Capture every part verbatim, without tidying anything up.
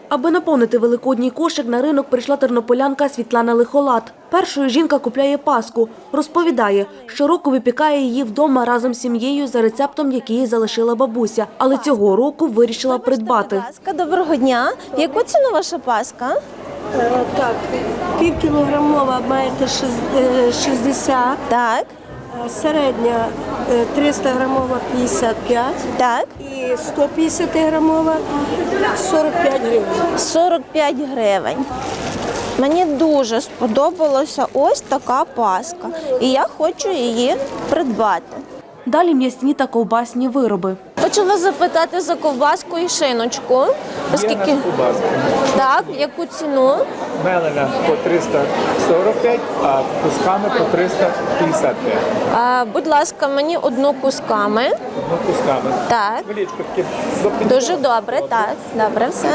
Аби наповнити великодній кошик, на ринок прийшла тернополянка Світлана Лихолад. Першою жінка купляє паску. Розповідає, щороку випікає її вдома разом з сім'єю за рецептом, який їй залишила бабуся. Але цього року вирішила придбати. Доброго дня. В яку ціну ваша паска? Е, так, півкілограмова маєте шістдесят, Так, е, середня е, триста грамова п'ятдесят п'ять так. і сто п'ятдесят грамова сорок п'ять гривень. сорок п'ять гривень. Мені дуже сподобалася ось така паска. І я хочу її придбати. Далі м'ясні та ковбасні вироби. Хочу вас запитати за ковбаску і шиночку. Оскільки... Так, яку ціну? Мелена по триста сорок п'ять, а кусками по триста п'ятдесят п'ять. А, будь ласка, мені одну кусками. Ну, кусками. Так. Величко таке. до Дуже добре, так. Добре, все.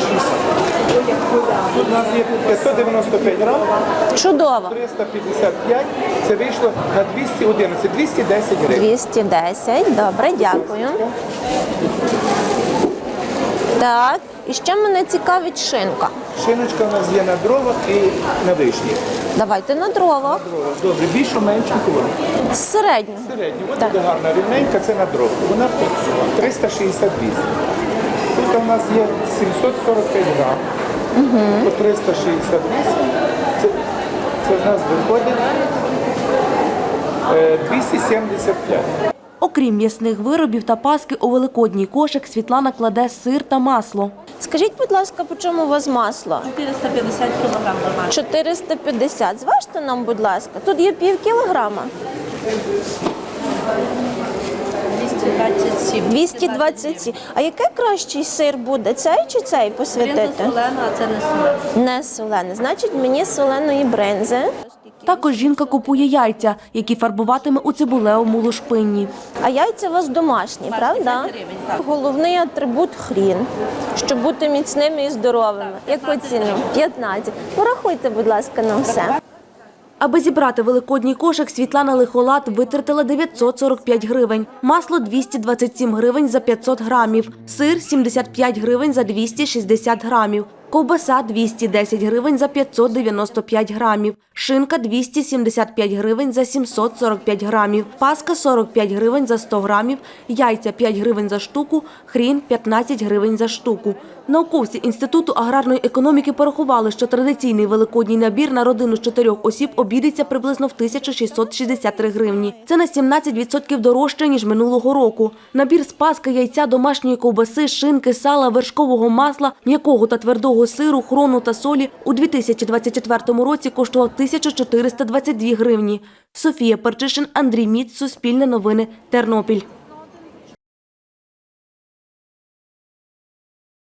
Тут у нас є п'ятсот дев'яносто п'ять грам, Чудово. триста п'ятдесят п'ять, це вийшло на двісті одинадцять, двісті десять гривень. двісті десять, добре, дякую. Так, і ще мене цікавить шинка. Шиночка у нас є на дровах і на вишні. Давайте на дрова. Добре, більше, менше, коли? Середню. Середньо, вона Так. буде гарна, рівненька, це на дров. Вона триста шістдесят вісім. Тут у нас є сімсот сорок п'ять грам, угу. По триста шістдесят вісім. Це, це в нас виходить е, двісті сімдесят п'ять. Окрім м'ясних виробів та паски, у великодній кошик Світлана кладе сир та масло. Скажіть, будь ласка, по чому у вас масло? чотириста п'ятдесят кілограм домашнє. чотириста п'ятдесят. Зважте нам, будь ласка. Тут є пів кілограма. двісті двадцять сім. двісті двадцять сім. А який кращий сир буде? Цей чи цей посвятити? Бринза солена, а це не солена. Не солений. Значить, мені соленої бринзи. Також жінка купує яйця, які фарбуватиме у цибулевому лушпинні. А яйця у вас домашні, правда? гривень, так. Головний атрибут – хрін, щоб бути міцними і здоровими. Яку ціну? п'ятнадцять. Порахуйте, будь ласка, на все. Аби зібрати великодній кошик, Світлана Лихолад витратила дев'ятсот сорок п'ять гривень, масло – двісті двадцять сім гривень за п'ятсот грамів, сир – сімдесят п'ять гривень за двісті шістдесят грамів, ковбаса – двісті десять гривень за п'ятсот дев'яносто п'ять грамів, шинка – двісті сімдесят п'ять гривень за сімсот сорок п'ять грамів, паска – сорок п'ять гривень за сто грамів, яйця – п'ять гривень за штуку, хрін – п'ятнадцять гривень за штуку. Науковці Інституту аграрної економіки порахували, що традиційний великодній набір на родину з чотирьох осіб обійдеться приблизно в тисячу шістсот шістдесят три гривні. Це на сімнадцять відсотків дорожче, ніж минулого року. Набір з паски, яйця, домашньої ковбаси, шинки, сала, вершкового масла, м'якого та твердого сиру, хрону та солі у дві тисячі двадцять четвертому році коштував тисячу чотириста двадцять дві гривні. Софія Перчишин, Андрій Міц, Суспільне новини, Тернопіль.